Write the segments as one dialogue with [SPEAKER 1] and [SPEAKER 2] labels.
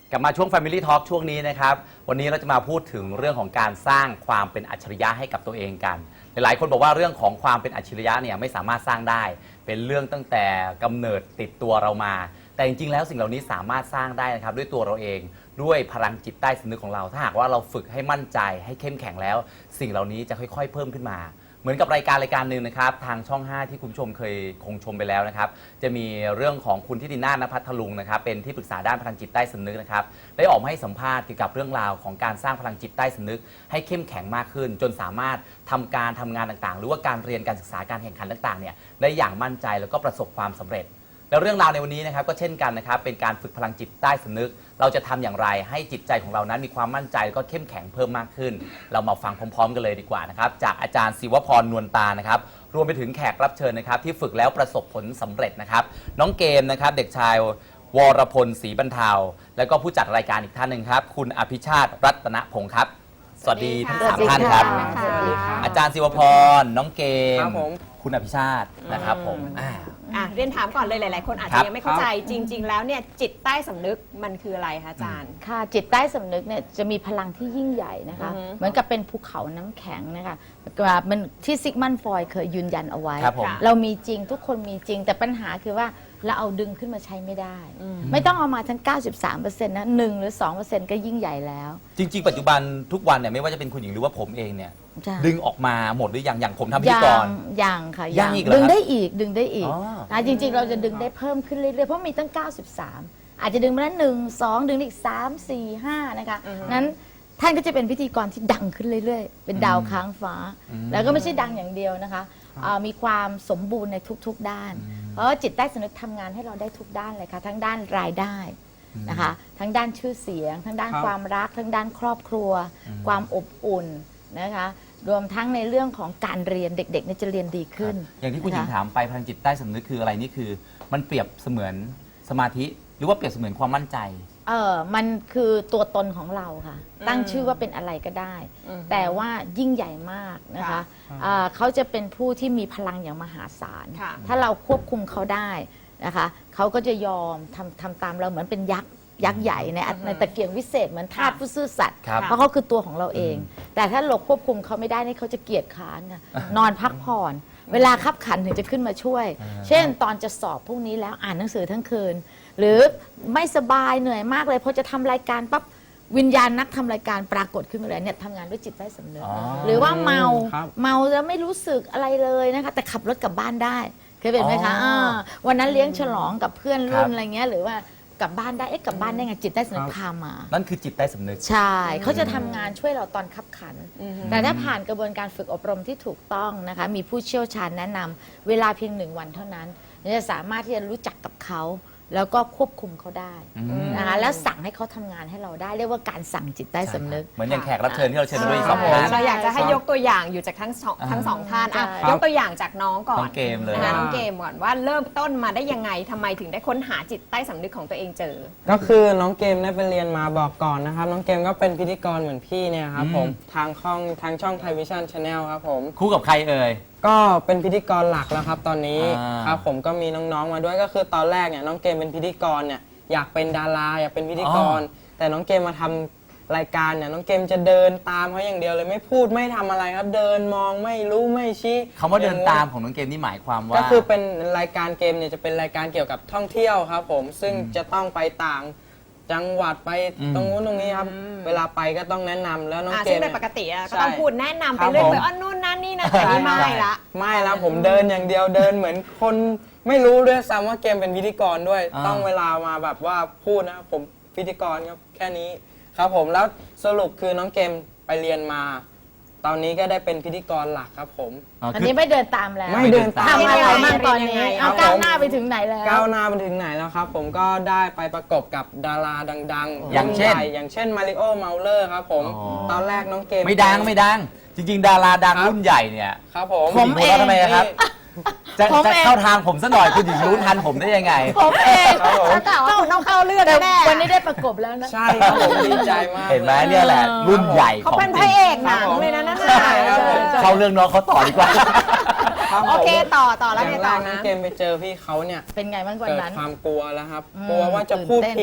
[SPEAKER 1] กลับมาช่วง Family Talk ช่วงนี้นะครับวันนี้เราจะมาพูดถึงเรื่องของการสร้างความเป็นอัจฉริยะให้กับตัวเองกันหลายๆคนบอกว่าเรื่องของความเป็นอัจฉริยะเนี่ยไม่สามารถสร้างได้เป็นเรื่องตั้งแต่กำเนิดติดตัวเรามาแต่จริงๆแล้วสิ่งเหล่านี้สามารถสร้างได้นะครับด้วยตัวเราเองด้วยพลังจิตใต้สำนึกของเราถ้าหากว่าเราฝึกให้มั่นใจให้เข้มแข็งแล้วสิ่งเหล่านี้จะค่อยๆเพิ่มขึ้นมาเหมือนกับรายการหนึ่งนะครับทางช่อง 5 ที่คุณผู้ชมเคยคงชมไปแล้วนะครับจะมีเรื่องของคุณทิตินาถ ณภัทรลุงนะครับเป็นที่ปรึกษาด้านพลังจิตใต้สำนึกนะครับได้ออกมาให้สัมภาษณ์เกี่ยวกับเรื่องราวของการสร้างพลังจิตใต้สำนึกให้เข้มแข็งมากขึ้นจนสามารถทำงานต่างๆหรือว่าการเรียนการศึกษาการแข่งขันต่างๆเนี่ยได้อย่างมั่นใจแล้วก็ประสบความสำเร็จแล้วเรื่องราวในวันนี้นะครับก็เช่นกันนะครับเป็นการฝึกพลังจิตใต้สำนึกเราจะทำอย่างไรให้จิตใจของเรานั้นมีความมั่นใจแล้วก็เข้มแข็งเพิ่มมากขึ้นเรามาฟังพร้อมๆกันเลยดีกว่านะครับจากอาจารย์ศิวพรนวลตานะครับรวมไปถึงแขกรับเชิญนะครับที่ฝึกแล้วประสบผลสำเร็จนะครับน้องเกมนะครับเด็กชายวรพลศรีบรรเทาแล้วก็ผู้จัดรายการอีกท่านหนึ่งครับคุณอภิชาติรัตนพงศ์ครับสวัสดีทั้งสามท่านครับอาจารย์ศิวพรน้องเกมคุณอภิชาตินะครับผม
[SPEAKER 2] เรียนถามก่อนเลยหลายๆคนอาจจะยังไม่เข้าใจจริงๆแล้วเนี่ยจิตใต้สำนึกมันคืออะไรคะอาจารย์
[SPEAKER 3] ค่ะจิตใต้สำนึกเนี่ยจะมีพลังที่ยิ่งใหญ่นะคะเหมือนกับเป็นภูเขาน้ำแข็งนะคะมันที่ซิกมันฟอยด์เคยยืนยันเอาไว้เรามีจริงทุกคนมีจริงแต่ปัญหาคือว่าเราเอาดึงขึ้นมาใช้ไม่ได้ไม่ต้องเอามาทั้ง 93% นะ1 หรือ 2% ก็ยิ่งใหญ่แล้ว
[SPEAKER 1] จริงๆปัจจุบันทุกวันเนี่ยไม่ว่าจะเป็นคุณหญิงหรือว่าผมเองเนี่ยดึงออกมาหมดหรือยังอย่างผมทำพิธีกร
[SPEAKER 3] ยังค่ะ
[SPEAKER 1] ยังอีก
[SPEAKER 3] ดึงได้อีกจริงๆเราจะดึงได้เพิ่มขึ้นเรื่อยๆเพราะมีตั้ง93อาจจะดึงมาแล้ว1 2ดึงอีก3 4 5นะคะนั้นท่านก็จะเป็นพิธีกรที่ดังขึ้นเรื่อยๆเป็นดาวค้างฟ้าแล้วก็ไม่ใช่ดังอย่างเดียวนะคะมีความสมบูรณ์ในทุกๆด้านเพราะจิตใต้สำนึกทำงานให้เราได้ทุกด้านเลยค่ะทั้งด้านรายได้นะคะทั้งด้านชื่อเสียงทั้งด้านความรักทั้งด้านครอบครัวความอบอุ่นนะคะรวมทั้งในเรื่องของการเรียนเด็กๆเนี่ยจะเรียนดีขึ้น
[SPEAKER 1] อย่างที่คุณหญิงถามไปพลังจิตใต้สำนึกคืออะไรนี่คือมันเปรียบเสมือนสมาธิหรือว่าเปรียบเสมือนความมั่นใจ
[SPEAKER 3] มันคือตัวตนของเราค่ะตั้งชื่อว่าเป็นอะไรก็ได้แต่ว่ายิ่งใหญ่มากนะคะเขาจะเป็นผู้ที่มีพลังอย่างมหาศาลถ้าเราควบคุมเขาได้นะคะเขาก็จะยอมทำตามเราเหมือนเป็นยักษ์ใหญ่ในตะเกียงวิเศษเหมือนทาสผู้ซื่อสัตย์เพราะเขาคือตัวของเราเองแต่ถ้าเราควบคุมเขาไม่ได้นี่เขาจะเกียจค้านค่ะนอนพักผ่อนเวลาคับขันถึงจะขึ้นมาช่วยเช่นตอนจะสอบพรุ่งนี้แล้วอ่านหนังสือทั้งคืนหรือไม่สบายเหนื่อยมากเลยพอจะทำรายการปั๊บวิญญาณนักทำรายการปรากฏขึ้นมาเลยเนี่ยทำงานด้วยจิตใต้สำนึกหรือว่าเมาแล้วไม่รู้สึกอะไรเลยนะคะแต่ขับรถกลับบ้านได้เคยเป็นไหมคะวันนั้นเลี้ยงฉลองกับเพื่อนรุ่นอะไรเงี้ยหรือว่ากลับบ้านได้กลับบ้านได้ไงจิตใต้สำนึกพามา
[SPEAKER 1] นั่นคือจิตใต้สำนึก
[SPEAKER 3] ใช่เขาจะทำงานช่วยเราตอนคับขันแต่ถ้าผ่านกระบวนการฝึกอบรมที่ถูกต้องนะคะมีผู้เชี่ยวชาญแนะนำเวลาเพียง1 วันเท่านั้นจะสามารถที่จะรู้จักกับเขาแล้วก็ควบคุมเขาได้นะคะแล้วสั่งให้เขาทำงานให้เราได้เรียกว่าการสั่งจิตใต้สำนึก
[SPEAKER 1] เหมือนอย่างแขกรับเชิญที่เราเชิญมาด้วย2 ท่าน
[SPEAKER 2] เราอยากจะให้ยกตัวอย่างอยู่จากทั้งสองท่านยกตัวอย่างจากน้องก่อน
[SPEAKER 1] น้องเกมเลย
[SPEAKER 2] นะคะน้องเกมก่อนว่าเริ่มต้นมาได้ยังไงทำไมถึงได้ค้นหาจิตใต้สำนึกของตัวเองเจอ
[SPEAKER 4] ก็คือน้องเกมได้ไปเรียนมาบอกก่อนนะครับน้องเกมก็เป็นพิธีกรเหมือนพี่เนี่ยครับผมทางช่องไทยวิชั่นชาแนลครับผม
[SPEAKER 1] คู่กับใครเอ่ย
[SPEAKER 4] ก็เป็นพิธีกรหลักแล้วครับตอนนี้ครับผมก็มีน้องๆมาด้วยก็คือตอนแรกเนี่ยน้องเกมเป็นพิธีกรเนี่ยอยากเป็นดาราอยากเป็นพิธีกรแต่น้องเกมมาทำรายการเนี่ยน้องเกมจะเดินตามเขาอย่างเดียวเลยไม่พูดไม่ทำอะไรครับเดินมองไม่รู้ไม่ชี้
[SPEAKER 1] คำว่าเดินตามของน้องเกมนี่หมายความว่า
[SPEAKER 4] ก็คือเป็นรายการเกมเนี่ยจะเป็นรายการเกี่ยวกับท่องเที่ยวครับผมซึ่งจะต้องไปต่างจังหวัดไปตรงนู้นตรงนี้ครับเวลาไปก็ต้องแนะนำแล้วน้องเกม
[SPEAKER 2] ซึ่งปกติก็ต้องพูดแนะนำไปเรื่อยๆนู่นนั่นนี่นะแต่นี่ไม่
[SPEAKER 4] ละผมเดินอย่างเดียวเดินเหมือนคนไม่รู้ด้วยซ้ำว่าเกมเป็นพิธีกรด้วยต้องเวลามาแบบว่าพูดนะผมพิธีกรครับแค่นี้ครับผมแล้วสรุปคือน้องเกมไปเรียนมาตอนนี้ก็ได้เป็นพิธีกรหลักครับผม
[SPEAKER 3] อันนี้ไม่เดินตามแล้ว
[SPEAKER 4] ไม่เดินตาม
[SPEAKER 3] ทำอะไรบ้างตอนนี้ก้าวหน้าไปถึงไหนแล้ว
[SPEAKER 4] ก้าวหน้าไปถึงไหนแล้วครับผมก็ได้ไปประกบกับดาราดังๆ
[SPEAKER 1] อย่าง
[SPEAKER 4] เช่นมาริโอเมาเลอร์ครับผมตอนแรกน้องเกม
[SPEAKER 1] ไม่ดังจริงๆดาราดังรุ่นใหญ่เนี่ย
[SPEAKER 4] ครับผม
[SPEAKER 1] เองทำไมครับจะเข้าทางผมซะหน่อยคุณหญิงรู้ทันผมได้ยังไง
[SPEAKER 3] ผมเอง
[SPEAKER 2] ต้องเข้าเรื่องแน่
[SPEAKER 3] วันนี้ได้ประกบแล้วนะ
[SPEAKER 4] ใช่ครับผมดีใจมาก
[SPEAKER 1] เห็นไหมเนี่ยแหละรุ่นใหญ่
[SPEAKER 2] เขาเป็นพระเอกหนังเลยนะนั่น
[SPEAKER 1] เข้าเรื่องน้องเขาต่อดีกว่า
[SPEAKER 2] โอเคต่อแล้วไงต่อ
[SPEAKER 4] นะเกมไปเจอพี่เขาเนี่ย
[SPEAKER 3] เป็นไงบ้างวันนั้น
[SPEAKER 4] เกิดความกลัวแล้วครับกลัวว่าจะพูดผิด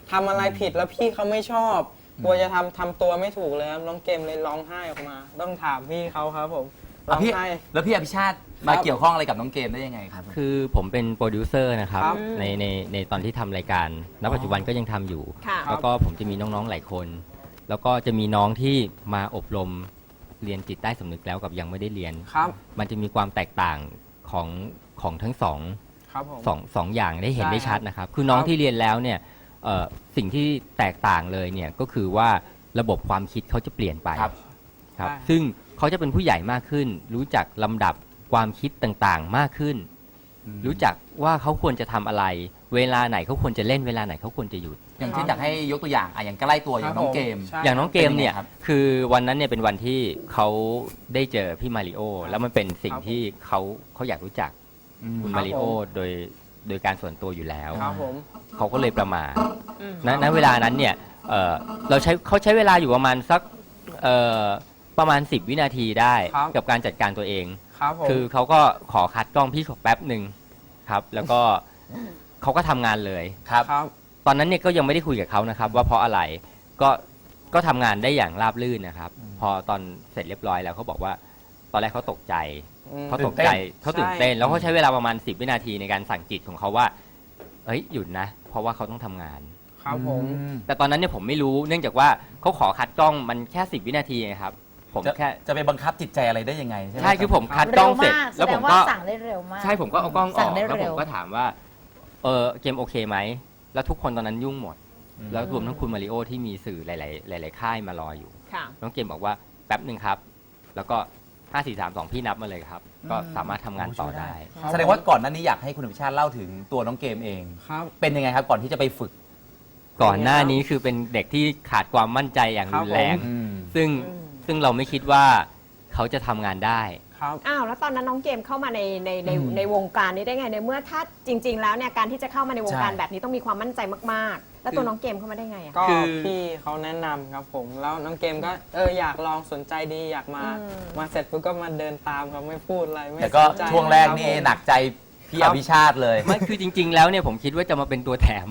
[SPEAKER 4] ทำอะไรผิดแล้วพี่เขาไม่ชอบกลัวจะทำตัวไม่ถูกเลยครับน้องเกมเลยร้องไห้ออกมา ต้องถามพี่เขาครับผมร้อง
[SPEAKER 1] พี่
[SPEAKER 4] ไห้
[SPEAKER 1] แล้วพี่อภิชาติมาเกี่ยวข้องอะไรกับน้องเกมได้ยังไงครับ
[SPEAKER 5] คือผมเป็นโปรดิวเซอร์นะครับ
[SPEAKER 4] ครับ
[SPEAKER 5] ในตอนที่ทำรายการณปัจจุบันก็ยังทำอยู่
[SPEAKER 2] ค่ะ
[SPEAKER 5] แล้วก็ผมจะมีน้องๆหลายคน แล้วก็จะมีน้องที่มาอบรมเรียนจิตใต้สำนึกแล้วกับยังไม่ได้เรียน
[SPEAKER 4] ครับ
[SPEAKER 5] มันจะมีความแตกต่างของทั้งสอง
[SPEAKER 4] ครับผม
[SPEAKER 5] สองอย่างได้เห็น
[SPEAKER 4] ใช่
[SPEAKER 5] ได้ชัดนะครับ คือน้อง
[SPEAKER 4] ครับ
[SPEAKER 5] ที่เรียนแล้วเนี่ยสิ่งที่แตกต่างเลยเนี่ยก็คือว่าระบบความคิดเขาจะเปลี่ยนไป
[SPEAKER 1] ครับ
[SPEAKER 5] ครับ
[SPEAKER 4] ใช่
[SPEAKER 5] ซึ่งเขาจะเป็นผู้ใหญ่มากขึ้น รู้จักลำดับความคิดต่างๆมากขึ้น รู้จักว่าเขาควรจะทำอะไร เวลาไหนเขาควรจะเล่นเวลาไหนเขาควรจะหยุด
[SPEAKER 1] อย่างเช่นอยากให้ยกตัวอย่างอย่างใกล้ตัวอย่างน้องเกม
[SPEAKER 4] ใช่
[SPEAKER 5] อย่างน้องเกมเนี่ย
[SPEAKER 1] เป็นยังไงครับ
[SPEAKER 5] คือวันนั้นเนี่ยเป็นวันที่เขาได้เจอพี่มาริโอแล้วมันเป็นสิ่งที่เขาอยากรู้จักคุณมาริโอโดยการส่วนตัวอยู่แล้ว
[SPEAKER 4] ครับผม
[SPEAKER 5] เขาก็เลยประมาทณเวลานั้นเนี่ยเขาใช้เวลาอยู่ประมาณสักประมาณ10 วินาทีได้
[SPEAKER 4] ครับ
[SPEAKER 5] กับการจัดการตัวเอง
[SPEAKER 4] ครับผม
[SPEAKER 5] คือเขาก็ขอคัดกล้องพี่ขอแป๊บหนึ่งครับ แล้วก็เขาก็ทำงานเลย
[SPEAKER 1] ครับ
[SPEAKER 4] ครับ
[SPEAKER 5] ตอนนั้นเนี่ยก็ยังไม่ได้คุยกับเขานะครับ ว่าเพราะอะไรก็ทำงานได้อย่างราบรื่นนะครับ พอตอนเสร็จเรียบร้อยแล้วเขาบอกว่า ตอนแรกเขาตกใจ เขาตกใจเขาตื่นเต้น แล้วเขาใช้เวลาประมาณ10 วินาทีในการสั่งจิตของเขาว่าเฮ้ยหยุดนะ เพราะว่าเขาต้องทำงาน
[SPEAKER 4] ครับผม
[SPEAKER 5] แต่ตอนนั้นเนี่ยผมไม่รู้เนื่องจากว่าเขาขอคัดกล้องมันแค่10 วินาทีไงครับ ผม
[SPEAKER 1] จะ
[SPEAKER 5] แค่
[SPEAKER 1] จะไปบังคับจิตใจอะไรได้ยังไงใช่ไหม
[SPEAKER 5] ใช่คือผมคัดกล้
[SPEAKER 3] เร็
[SPEAKER 5] อ
[SPEAKER 3] ว
[SPEAKER 5] งเสร็จ
[SPEAKER 3] มากแส
[SPEAKER 5] แล้ว
[SPEAKER 3] ด
[SPEAKER 5] ผ
[SPEAKER 3] ง
[SPEAKER 5] ม
[SPEAKER 3] ว่า
[SPEAKER 5] ก็
[SPEAKER 3] สั่งได้เร็วมาก
[SPEAKER 5] ใช่ผมก็เอากล้องอ
[SPEAKER 3] สั่
[SPEAKER 5] อง ก
[SPEAKER 3] ได้
[SPEAKER 5] แล้วผ
[SPEAKER 3] เร็
[SPEAKER 5] ม
[SPEAKER 3] ว
[SPEAKER 5] ก็ถามว่าเกมโอเคไหมแล้วทุกคนตอนนั้นยุ่งหมด แล้วรวมทั้งคุณมาริโอที่มีสื่อหลายๆค่ายมารออยู่
[SPEAKER 2] ค่ะ
[SPEAKER 5] น้องเกมบอกว่าแป๊บหนึ่งครับ แล้วก็ 5 4 3 2 พี่นับมาเลยครับ ก็สามารถทำงานต่อได้
[SPEAKER 1] แสดงว่าก่อนหน้านี้อยากให้คุณอภิชาติเล่าถึงตัวน้องเกมเอง
[SPEAKER 4] ครับ
[SPEAKER 1] เป็นยังไงครับก่อนที่จะไปฝึก
[SPEAKER 5] ก่อนหน้านี้คือเป็นเด็กที่ขาดความมั่นใจอย่างรุนแรง
[SPEAKER 1] อืม
[SPEAKER 5] ซึ่งเราไม่คิดว่าเขาจะทำงานได้
[SPEAKER 4] ครับ
[SPEAKER 2] อ้าวแล้วตอนนั้นน้องเกมเข้ามาในวงการนี้ได้ไงในเมื่อถ้าจริง ๆ แล้วเนี่ยการที่จะเข้ามาในวงการ
[SPEAKER 1] ใช่
[SPEAKER 2] แบบนี้ต้องมีความมั่นใจมากๆ แล้วตัวน้องเกมเข้ามาได้ไงอะ
[SPEAKER 4] ก็
[SPEAKER 5] คือ
[SPEAKER 4] พี่เขาแนะนำครับผม แล้วน้องเกมก็อยากลองสนใจดีอยากมา มาเสร็จปุ๊บก็มาเดินตามครับไม่พูดอะไรไม่
[SPEAKER 1] แต่ก็
[SPEAKER 4] สนใจ
[SPEAKER 1] ช่วงแรกนี่
[SPEAKER 4] คบผม
[SPEAKER 1] หนักใจพี่
[SPEAKER 4] ครั
[SPEAKER 1] อบ ภิชาติเลย
[SPEAKER 5] ไม่คือจริง ๆ แล้วเนี่ยผมคิดว่าจะมาเป็นตัวแถม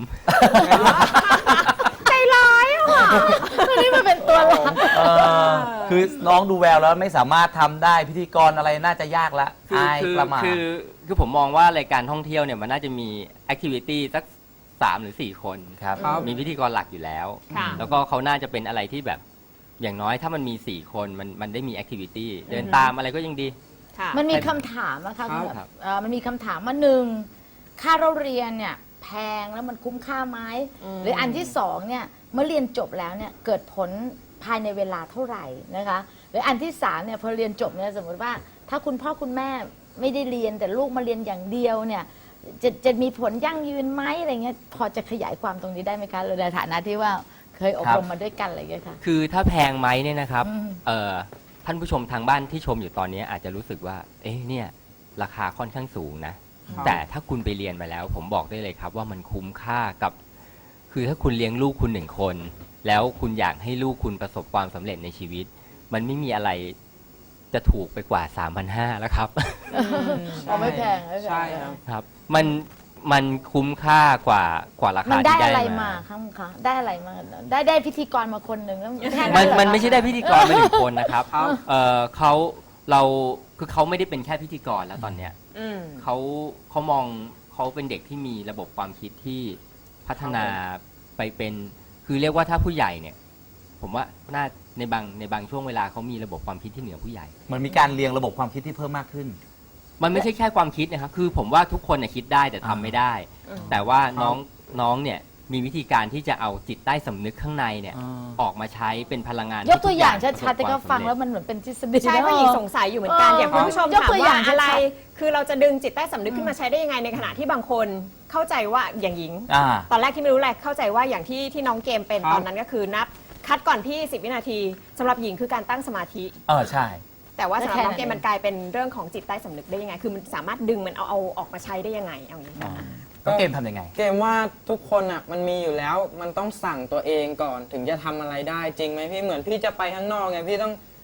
[SPEAKER 2] ใจร้ายอ่ะ
[SPEAKER 3] อันนี้มันเป็นตัวหลัก
[SPEAKER 1] เออคือน้องดูแววแล้วไม่สามารถทำได้พิธีกรอะไรน่าจะยากละอายประมาท
[SPEAKER 5] คือผมมองว่ารายการท่องเที่ยวเนี่ยมันน่าจะมีแอคทิวิตี้สัก3 หรือ 4 คน
[SPEAKER 1] ครับ
[SPEAKER 4] ครับ
[SPEAKER 5] มีพิธีกรหลักอยู่แล้ว
[SPEAKER 2] ค่ะ
[SPEAKER 5] แล้วก็เขาน่าจะเป็นอะไรที่แบบอย่างน้อยถ้ามันมี 4 คนมันได้มีแอคทิวิตี้เดินตามอะไรก็ยังดี
[SPEAKER 2] ค่ะ
[SPEAKER 3] มันมีคำถามนะคะ
[SPEAKER 4] ครับ
[SPEAKER 3] ณแบบมันมีคำถามว่าหนึ่งค่าเราเรียนเนี่ยแพงแล้วมันคุ้มค่าไหมหรืออันที่สองเนี่ยเมื่อเรียนจบแล้วเนี่ยเกิดผลภายในเวลาเท่าไหร่นะคะหรืออันที่สามเนี่ยพอเรียนจบเนี่ยสมมติว่าถ้าคุณพ่อคุณแม่ไม่ได้เรียนแต่ลูกมาเรียนอย่างเดียวเนี่ยจะมีผลยั่งยืนไหมอะไรเงี้ยพอจะขยายความตรงนี้ได้ไหมคะในฐานะที่ว่าเคยอบรมมาด้วยกันอะไรอย่างเงี้ยค่ะ
[SPEAKER 5] คือถ้าแพงไหมเนี่ยนะครับ
[SPEAKER 3] อืม
[SPEAKER 5] ท่านผู้ชมทางบ้านที่ชมอยู่ตอนนี้อาจจะรู้สึกว่า เอ๊ะเนี่ยราคาค่อนข้างสูงนะ
[SPEAKER 4] ครับ
[SPEAKER 5] แต่ถ้าคุณไปเรียนมาแล้ว ผมบอกได้เลยครับว่ามันคุ้มค่ากับ คือถ้าคุณเลี้ยงลูกคุณ1 คน แล้วคุณอยากให้ลูกคุณประสบความสำเร็จในชีวิต มันไม่มีอะไรจะถูกไปกว่า 3,500แล้วครับ
[SPEAKER 3] อ๋อไม่แพงไม่แพง
[SPEAKER 4] ใช่ครับ
[SPEAKER 5] ครับมันคุ้มค่ากว่ารา
[SPEAKER 3] มั
[SPEAKER 5] คาน
[SPEAKER 3] ได้
[SPEAKER 5] ที่
[SPEAKER 3] อะไร
[SPEAKER 5] ได้
[SPEAKER 3] มา
[SPEAKER 5] มา
[SPEAKER 3] ครับคะได้อะไรมาได้พิธีกรมาคนหนึ่งแล้วแค่
[SPEAKER 5] มัน
[SPEAKER 3] เหรอ
[SPEAKER 5] มัน
[SPEAKER 3] คะ
[SPEAKER 5] ไม่ใช่ได้พิธีกรมา1 คนนะครับ
[SPEAKER 4] ครับ
[SPEAKER 5] เขาไม่ได้เป็นแค่พิธีกรแล้วตอนเนี้ย
[SPEAKER 2] อืม
[SPEAKER 5] เขามองเขาเป็นเด็กที่มีระบบความคิดที่พัฒนาไปเป็น คือเรียกว่าถ้าผู้ใหญ่เนี่ย ผมว่าน่าในบางช่วงเวลาเขามีระบบความคิดที่เหนือผู้ใหญ่
[SPEAKER 1] เหมือนมีการเรียงระบบความคิดที่เพิ่มมากขึ้น
[SPEAKER 5] มันไม่ใช่แค่ความคิดนะครับ คือผมว่าทุกคนน่ะคิดได้แต่ทำไม่ได้ แต่ว่าน้องเนี่ยมีวิธีการที่จะเอาจิตใต้สำนึกข้างในเนี่ย ออกมาใช้เป็นพลังงาน
[SPEAKER 3] ยกตัวอย่าง
[SPEAKER 5] ที่ทุ
[SPEAKER 3] ชัดๆแต่ก็ฟังแล้ว
[SPEAKER 5] ประสบคามสำเร็จ
[SPEAKER 3] มันเหมือนเป็นทฤษฎี
[SPEAKER 2] ใช่
[SPEAKER 3] นะ
[SPEAKER 2] เพราะหญิงสงสัยอยู่เหมือนกัน อย่างคุณผู้ชม
[SPEAKER 3] ยก
[SPEAKER 2] ถาม
[SPEAKER 3] ตัวอย่า
[SPEAKER 2] ว่าง อะไร
[SPEAKER 3] ชัด
[SPEAKER 2] คือเราจะดึงจิตใต้สำนึกขึ้นมาใช้ได้ยังไงในขณะที่บางคนเข้าใจว่าอย่างหญิง
[SPEAKER 1] อ่า
[SPEAKER 2] ตอนแรกที่ไม่รู้แหละเข้าใจว่าอย่างที่น้องเกมเป็น
[SPEAKER 4] ครับ
[SPEAKER 2] ตอนนั้นก็คือนับคัดก่อนพี่ 10 วินาทีสำหรับหญิงคือการตั้งสมาธิ
[SPEAKER 1] ใช่
[SPEAKER 2] แต่ว่าสำหรับน้องเกม
[SPEAKER 3] แค่นั้น
[SPEAKER 2] มันกลายเป็นเรื่องของจิตใต้สำนึกได้ยังไง คือมันสามารถดึงมันเอาออกมาใช้ได้ยังไงเอางี้
[SPEAKER 1] น้องเกมทำยังไง
[SPEAKER 4] เกมว่าทุกคนอ่ะมันมีอยู่แล้วมันต้องสั่งตัวเองก่อนถึงจะทำอะไรได้จริงไหมพี่เหมือนพี่จะไปข้างนอกไงพี่ต้อง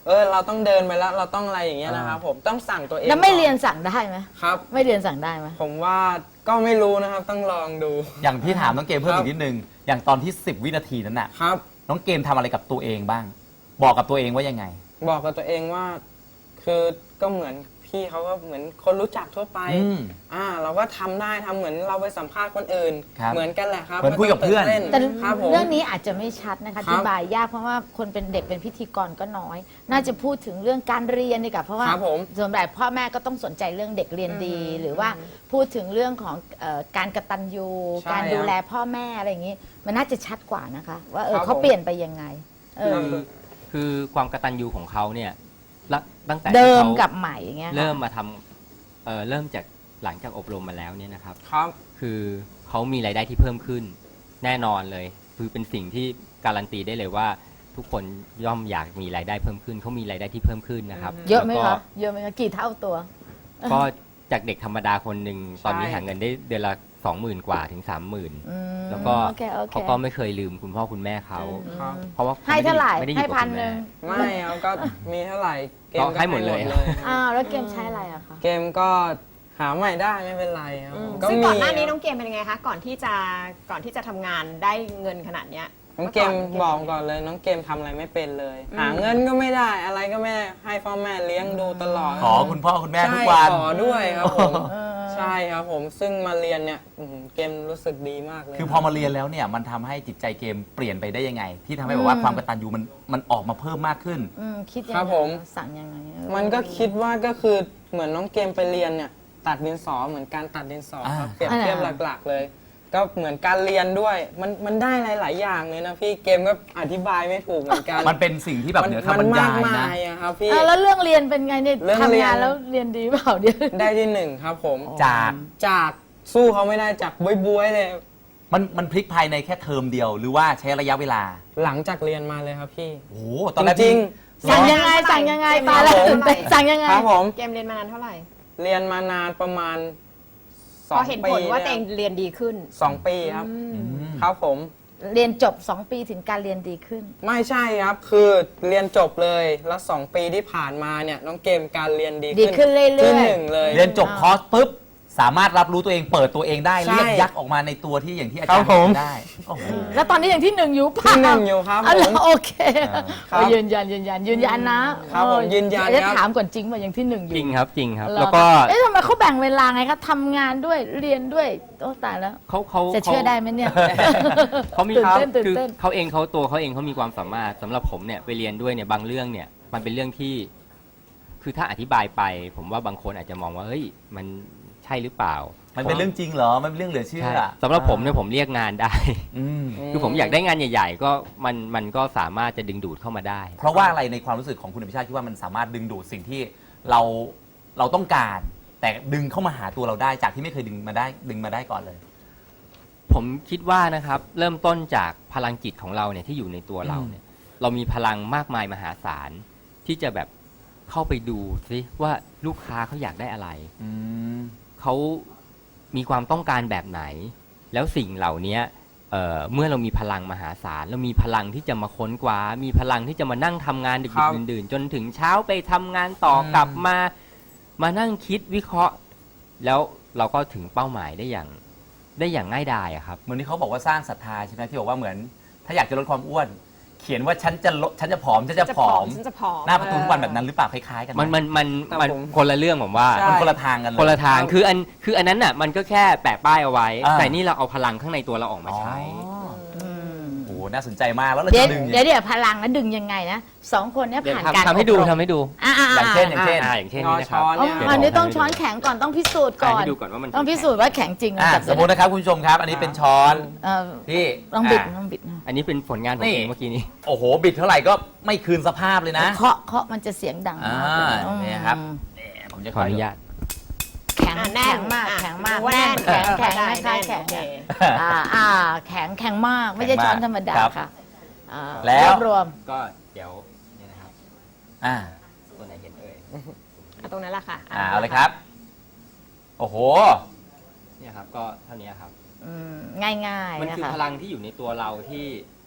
[SPEAKER 4] เราต้องเดินไปแล้วเราต้องอะไรอย่างเงี้ยนะครับผมต้องสั่งตัวเอง
[SPEAKER 3] แล้วไม่
[SPEAKER 4] ก่อ
[SPEAKER 3] เรียนสั่งได้ไหม
[SPEAKER 4] ครับ
[SPEAKER 3] ไม่เรียนสั่งได้ไหม
[SPEAKER 4] ผมว่าก็ไม่รู้นะครับต้องลองดู
[SPEAKER 1] อย่างพี่ถามน้องเกมเพิ่ม
[SPEAKER 4] ครับ
[SPEAKER 1] อีกนิดนึง อย่างตอนที่ 10 วินาทีนั้นน่ะ
[SPEAKER 4] ครับ
[SPEAKER 1] น้องเกมทำอะไรกับตัวเองบ้าง บอกกับตัวเองว่ายังไง
[SPEAKER 4] บอกกับตัวเองว่าคือก็เหมือนพี่เขาก็เหมือนคนรู้จักทั่วไป
[SPEAKER 1] อืม
[SPEAKER 4] เราก็ทำได้ทำเหมือนเราไปสัมภาษณ์คนอื่น
[SPEAKER 1] ครับ
[SPEAKER 4] เหมือนกันแหละครับ
[SPEAKER 1] เหมือนคุยกับเพื่อน
[SPEAKER 4] ไม่ต้ง
[SPEAKER 3] แต่
[SPEAKER 4] ตื่นเต้นครับผม
[SPEAKER 3] เรื่องนี้อาจจะไม่ชัดนะคะ
[SPEAKER 4] ครับ
[SPEAKER 3] อธิบายยากเพราะว่าคนเป็นเด็กเป็นพิธีกรก็น้อย น่าจะพูดถึงเรื่องการเรียนดีกว่าเพราะว่า
[SPEAKER 4] ครับผม
[SPEAKER 3] ส่วนใหญ่พ่อแม่ก็ต้องสนใจเรื่องเด็กเรียนดี หรือว่าพูดถึงเรื่องของการกตัญญู
[SPEAKER 4] ใช่
[SPEAKER 3] การดูแลพ่อแม่อะไรอย่างนี้ มันน่าจะชัดกว่านะคะ ว่า
[SPEAKER 4] ครับ
[SPEAKER 3] เขา
[SPEAKER 4] ผม
[SPEAKER 3] เปลี่ยนไปยังไง
[SPEAKER 5] คือความกตัญญูของเขาเนี่ยตั้งแต่
[SPEAKER 3] เดิ
[SPEAKER 5] ที่
[SPEAKER 3] ม
[SPEAKER 5] เขา
[SPEAKER 3] กับใหม่อย่างเงี้ยค่ะ
[SPEAKER 5] เริ่มมาทำเริ่มจากหลังจากอบรมมาแล้วเนี่ยนะครับ
[SPEAKER 4] ครับ
[SPEAKER 5] คือเขามีรายได้ที่เพิ่มขึ้น แน่นอนเลย คือเป็นสิ่งที่การันตีได้เลยว่า ทุกคนย่อมอยากมีรายได้เพิ่มขึ้นเขามีรายได้ที่เพิ่มขึ้นนะครับ
[SPEAKER 3] เยอะไหม
[SPEAKER 5] แล้วก็
[SPEAKER 3] คะเยอะไหมคะกี่เท่าตัว
[SPEAKER 5] ก็จากเด็กธรรมดาคนหนึ่ง
[SPEAKER 4] ใช่
[SPEAKER 5] ตอนนี้หาเงินได้เดือนละ 20,000 กว่าถึง 30,000
[SPEAKER 3] อืม
[SPEAKER 5] แล้วก็
[SPEAKER 3] โอเคโอเค
[SPEAKER 5] เขาก็ไม่เคยลืมคุณพ่อคุณแม่เขา
[SPEAKER 4] ครับ
[SPEAKER 5] เพราะว่า
[SPEAKER 3] ให้เท่าไหร่
[SPEAKER 5] ไม่ได้อ
[SPEAKER 3] ให้
[SPEAKER 5] ยู่กับ
[SPEAKER 3] พัน
[SPEAKER 5] คุณ
[SPEAKER 3] ห
[SPEAKER 5] แม่
[SPEAKER 3] นึ่ง
[SPEAKER 4] ไม่เอาก็มีเท่าไหร่เกม
[SPEAKER 5] ก็
[SPEAKER 4] ก็
[SPEAKER 5] ให้หมดเลย
[SPEAKER 3] อ้าวแล้วเกมใช้อะไรอะคะ
[SPEAKER 4] เกมก็หาใหม่ได้ไม่เป็นไรครับ
[SPEAKER 2] ซึ่งก่อนหน้านี้
[SPEAKER 4] มี
[SPEAKER 2] น้องเกมเป็นยังไงคะก่อนที่จะทำงานได้เงินขนาดเนี้ย
[SPEAKER 4] น้องเกมบอกก่อนเลยน้องเกมทำอะไรไม่เป็นเลย หาเงินก็ไม่ได้อะไรก็ไม่ได้ให้พ่อแม่เลี้ยงดูตลอด
[SPEAKER 1] ขอคุณพ่อคุณแม่ทุ
[SPEAKER 4] ใช่
[SPEAKER 1] กวัน
[SPEAKER 4] ขอด้วยครับผมใช่ครับผมซึ่งมาเรียนเนี่ยเกมรู้สึกดีมากเลย
[SPEAKER 1] คือพอมาเรียนแล้วเนี่ยมันทำให้จิตใจเกมเปลี่ยนไปได้ยังไง ที่ทำให้แบบว่าความกตัญญูมันออกมาเพิ่มมากขึ้น
[SPEAKER 3] คิดยัง
[SPEAKER 4] ครั
[SPEAKER 3] ไง
[SPEAKER 4] บผม
[SPEAKER 3] สั่งยังไง
[SPEAKER 4] มันก็คิดว่าก็คือเหมือนน้องเกมไปเรียนเนี่ยตัดดินสอเหมือนการตัดดินสอครับ
[SPEAKER 1] อ่า
[SPEAKER 4] เปรียบเทียบหลักๆเลย ก็เหมือนการเรียนด้วยมันได้หลายๆอย่างเลยนะพี่เกมก็อธิบายไม่ถูกเหมือนกัน
[SPEAKER 1] มันเป็นสิ่งที่แบบเหนือคำบรรยาย
[SPEAKER 4] มาก
[SPEAKER 1] นะ
[SPEAKER 4] มายอะครับพี่
[SPEAKER 3] แล้วเรื่องเรียนเป็นไงเนี่ย
[SPEAKER 4] เรื่องเรียน
[SPEAKER 3] ทำงานแล้วเรียนดีเปล่าเดี๋ยว
[SPEAKER 4] ได้ที่หนึ่งครับผม
[SPEAKER 1] จาก
[SPEAKER 4] สู้เขาไม่ได้จากบวยๆเลย
[SPEAKER 1] มันพลิกภายในแค่เทอมเดียว หรือว่าใช้ระยะเวลา
[SPEAKER 4] หลังจากเรียนมาเลยครับพี่
[SPEAKER 1] โอ้โหตอนแรก
[SPEAKER 4] จริง
[SPEAKER 3] สั่งยังไงสั่งยังไงตายแล้วตื่นเต้นสั่งยังไง
[SPEAKER 4] ครับผม
[SPEAKER 2] เกมเรียนมานานเท่าไหร่
[SPEAKER 4] เรียนมานานประมาณ
[SPEAKER 2] พอเห็น
[SPEAKER 4] 2 ปี
[SPEAKER 2] ผลว่าตัวเองเรียนดีขึ้น
[SPEAKER 4] 2 ปีครับครับผม
[SPEAKER 3] เรียนจบ 2 ปีถึงการเรียนดีขึ้น
[SPEAKER 4] ไม่ใช่ครับคือเรียนจบเลยแล้ว 2 ปีที่ผ่านมาเนี่ยน้องเกมการเรียนดี
[SPEAKER 3] ดีขึ้นเรื่อยๆ
[SPEAKER 4] ที่หนึ่งเลย
[SPEAKER 1] เรียนจบคอร์สปุ๊บ สามารถรับรู้ตัวเองเปิดตัวเองได้
[SPEAKER 4] ใช่
[SPEAKER 1] เรียกยักษ์ออกมาในตัวที่อย่างที่อาจาร
[SPEAKER 4] ครั
[SPEAKER 1] ย์
[SPEAKER 4] บผม
[SPEAKER 1] ได้โอ้โห
[SPEAKER 3] แล้วตอนนี้อย่างที่หนึ่งอยู่เปล่า
[SPEAKER 4] ที่หนึ่งอยู่ครับ
[SPEAKER 3] อ๋อเหร
[SPEAKER 4] ผ
[SPEAKER 3] อ
[SPEAKER 4] ม
[SPEAKER 3] โอเค
[SPEAKER 1] ครับ
[SPEAKER 3] เอายืนยันนะครับ
[SPEAKER 4] ผมยืนยัน
[SPEAKER 3] จะ
[SPEAKER 4] ครับ
[SPEAKER 3] ถามก่อนจริงว่าอย่างที่หนึ่งอยู่
[SPEAKER 5] จริงครับจริงครับ
[SPEAKER 3] เหรอ
[SPEAKER 5] แล้วก็
[SPEAKER 3] เอ๊ะทำไมเขาแบ่งเวลาไงคะทำงานด้วยเรียนด้วยโอ้ตายแล้ว
[SPEAKER 5] เขา
[SPEAKER 3] จะเชื่อได้ไหมเนี่ย
[SPEAKER 5] เขามี
[SPEAKER 3] ตื่นเต้นตื่น
[SPEAKER 5] คือ
[SPEAKER 3] เต้น
[SPEAKER 5] เขาเองเขามีความสามารถสำหรับผมเนี่ยไปเรียนด้วยเนี่ยบางเรื่องเนี่ยมันเป็นเรื่องที่ คือถ้าอธิบายไป ผมว่าบางคนอาจจะมองว่าเฮ้ยมันใช่หรือเปล่า
[SPEAKER 1] มันเป็นเรื่องจริงเหรอ มันเป็นเรื่องเหลือเชื่อ
[SPEAKER 5] ใช่สำหรับผมเนี่ยผมเรียกงานได้
[SPEAKER 1] อืม
[SPEAKER 5] คือผมอยากได้งานใหญ่ๆ ก็มันก็สามารถจะดึงดูดเข้ามาได้
[SPEAKER 1] เพราะว่าอะไรในความรู้สึกของคุณอภิชาติคิดว่ามันสามารถดึงดูดสิ่งที่เราต้องการ แต่ดึงเข้ามาหาตัวเราได้จากที่ไม่เคยดึงมาได้ก่อนเลย
[SPEAKER 5] ผมคิดว่านะครับเริ่มต้นจากพลังจิตของเราเนี่ยที่อยู่ในตัวเราเนี่ยเรามีพลังมากมายมหาศาลที่จะแบบเข้าไปดูซิว่าลูกค้าเขาอยากได้อะไร
[SPEAKER 1] อืม
[SPEAKER 5] เขามีความต้องการแบบไหน แล้วสิ่งเหล่านี้เมื่อเรามีพลังมหาศาลเรามีพลังที่จะมาค้นคว้ามีพลังที่จะมานั่งทำงานดึ
[SPEAKER 4] ครั
[SPEAKER 5] ก
[SPEAKER 4] บ
[SPEAKER 5] ๆดื่นๆจนถึงเช้าไปทำงานต่อกลับมานั่งคิดวิเคราะห์ แล้วเราก็ถึงเป้าหมายได้อย่างง่ายดายอะครับ
[SPEAKER 1] เหมือนที่เขาบอกว่าสร้างศรัทธาใช่ไหมที่บอกว่าเหมือน ถ้าอยากจะลดความอ้วน เขียนว่าฉันจะผอมฉันจะผอม
[SPEAKER 2] ฉันจะผอม
[SPEAKER 1] หน้าประตูทุกวันแบบนั้นหรือเปล่าคล้ายๆกันไห
[SPEAKER 5] มัน
[SPEAKER 4] ผม
[SPEAKER 5] คนละเรื่องผมว่า
[SPEAKER 4] ใช่
[SPEAKER 1] มันคนละทางกันเลย
[SPEAKER 5] คนละทางคืออันนั้นน่ะมันก็แค่แปะป้ายเอาไว้
[SPEAKER 1] อ่า
[SPEAKER 5] แต่นี่เราเอาพลังข้างในตัวเราออกมาใช้
[SPEAKER 1] อ๋อโอ้โหน่าสนใจมากแล้วเรา
[SPEAKER 3] เดี๋ยว
[SPEAKER 1] จะดึง
[SPEAKER 3] เดี๋ยวพลังแล้วดึงยังไงนะสองคนเนี้
[SPEAKER 5] เดี๋ยว
[SPEAKER 3] ผ่านการ
[SPEAKER 5] ทำให้ดู
[SPEAKER 3] อบรม
[SPEAKER 5] ทำให้ดู
[SPEAKER 1] อย่างเช่น
[SPEAKER 5] อย่างเช่นนี้นะครับ
[SPEAKER 4] งอช้อน
[SPEAKER 3] อ๋อ
[SPEAKER 4] เนี่ย
[SPEAKER 3] อันนี้ต้องช้อนแข็งก่อนต้องพิสูจน์ก่อน
[SPEAKER 5] ให้ดูก่อนว่ามัน
[SPEAKER 3] ต้องพิสูจน์ว่าแข็งจริง
[SPEAKER 1] อ่ะ
[SPEAKER 3] จับ
[SPEAKER 1] สมมตินะครับคุณผู้ชมครับ อันนี้เป็นช้อน
[SPEAKER 3] เออ
[SPEAKER 1] ที่
[SPEAKER 3] ต้องบิด
[SPEAKER 1] ะ
[SPEAKER 3] ต้องบิดนะ
[SPEAKER 5] อันนี้เป็นผลงานของ
[SPEAKER 1] นี่
[SPEAKER 5] เองเมื่อกี้นี้
[SPEAKER 1] โอ้โห บิดเท่าไหร่ก็ไม่คืนสภาพเลยนะ
[SPEAKER 3] เคาะมันจะเสียงดัง
[SPEAKER 1] อ่าม
[SPEAKER 3] ากเลย
[SPEAKER 1] เนี่ยครับนี่ผมจะ
[SPEAKER 5] ขออนุญาต
[SPEAKER 3] แข็ง
[SPEAKER 2] แน่
[SPEAKER 3] แข็
[SPEAKER 2] น
[SPEAKER 3] งมาก
[SPEAKER 2] อ่ะ
[SPEAKER 3] แข็งมาก
[SPEAKER 2] ดูว่า
[SPEAKER 3] แน่น
[SPEAKER 2] แน่น
[SPEAKER 3] แข็ง
[SPEAKER 2] ได้
[SPEAKER 3] ไม่ใช่แข็ง
[SPEAKER 2] โอเค
[SPEAKER 3] แข็งมากไม่ใช่ช้อนธรรมดา
[SPEAKER 1] ครับ
[SPEAKER 3] ค่ะอ่า
[SPEAKER 1] แล้ว
[SPEAKER 3] รวบรวม
[SPEAKER 5] ก็เดี๋ยวเนี่ยนะครับ
[SPEAKER 1] อ่า
[SPEAKER 5] ตัวไหนเห็นเอ่ย
[SPEAKER 2] เอาตรงนั้นแหละค่ะ
[SPEAKER 1] เอาเลยครับ โอ้โห
[SPEAKER 5] เนี่ยครับก็เท่านี้ครับ
[SPEAKER 3] ง่าย
[SPEAKER 5] มัน
[SPEAKER 3] ๆนะ
[SPEAKER 5] คือ
[SPEAKER 3] คะ
[SPEAKER 5] พลังที่อยู่ในตัวเราที่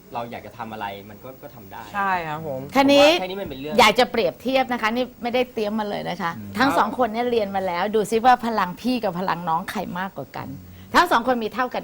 [SPEAKER 5] เราอยากจะทำอะไรมันก็ทำได้
[SPEAKER 4] ใช่ครับผม
[SPEAKER 3] คันนี้
[SPEAKER 5] แค่นี้มันเป็นเรื่อง
[SPEAKER 3] อยากจะเปรียบเทียบนะคะ นี่ไม่ได้เตรียมมาเลยนะคะ ทั้งสองคนเนี่ยเรียนมาแล้ว ดูซิว่าพลังพี่กับพลังน้องใครมากกว่ากัน ทั้งสองคนมีเท่ากัน